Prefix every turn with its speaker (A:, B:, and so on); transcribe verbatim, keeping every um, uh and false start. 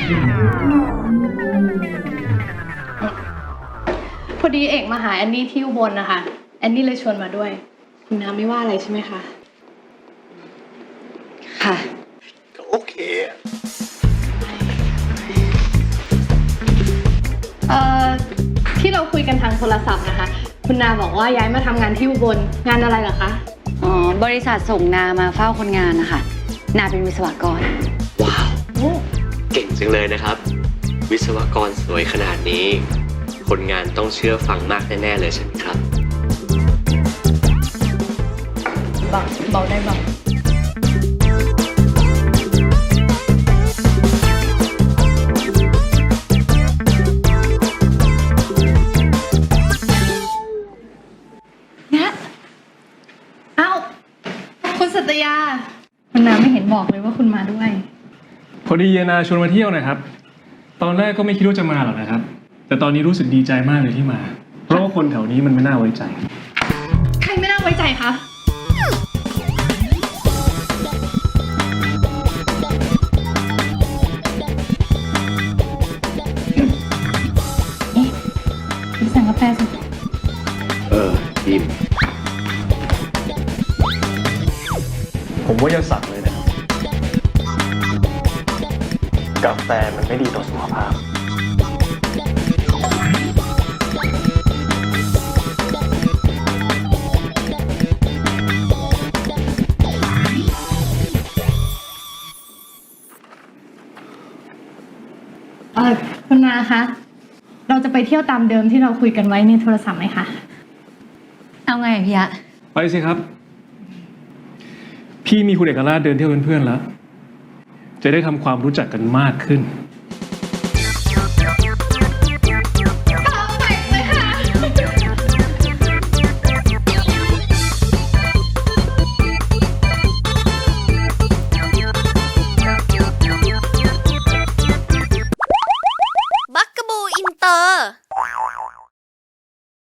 A: พอดีเอกมาหาแอนนี่ที่อุบลนะคะแอนนี่เลยชวนมาด้วยคุณน้ำไม่ว่าอะไรใช่ไหมคะ
B: ค่ะ
C: ก็โอเค
A: เอ่อที่เราคุยกันทางโทรศัพท์นะคะคุณนาบอกว่าย้ายมาทำงานที่อุบลงานอะไรเหรอคะ
B: อ๋อบริษัทส่งนามาเฝ้าคนงานนะคะนาเป็นวิศวกร
C: ว้าวเก่งจังเลยนะครับวิศวกรสวยขนาดนี้คนงานต้องเชื่อฟังมากแน่ๆเลยใช่ไหมครับ
A: เบาเบาได้เบาเนี่ยเอ้าคุณสัตยาคุณน้ำไม่เห็นบอกเลยว่าคุณมาด้วย
D: พอดีเยนาชวนมาเที่ยวนะครับตอนแรกก็ไม่คิดว่าจะมาหรอกนะครับแต่ตอนนี้รู้สึกดีใจมากเลยที่มาเพราะว่าคนแถวนี้มันไม่น่าไว้ใจ
A: ใครไม่น่าไว้ใจคะนี่สั่งกาแฟสิ
C: เออยิม
D: ผมว่าอย่าสั่งเลยนะครับกาแฟมันไม่ดีต่อสุขภาพ
A: เออคุณนาคะเราจะไปเที่ยวตามเดิมที่เราคุยกันไว้ในโทรศัพท์ไหมคะ
B: เอาไงพี่อะ
D: ไปสิครับพี่มีคุณเอกราชเดินเที่ยวเป็นเพื่อนแล้วจะได้ทำความรู้จักกันมากขึ้น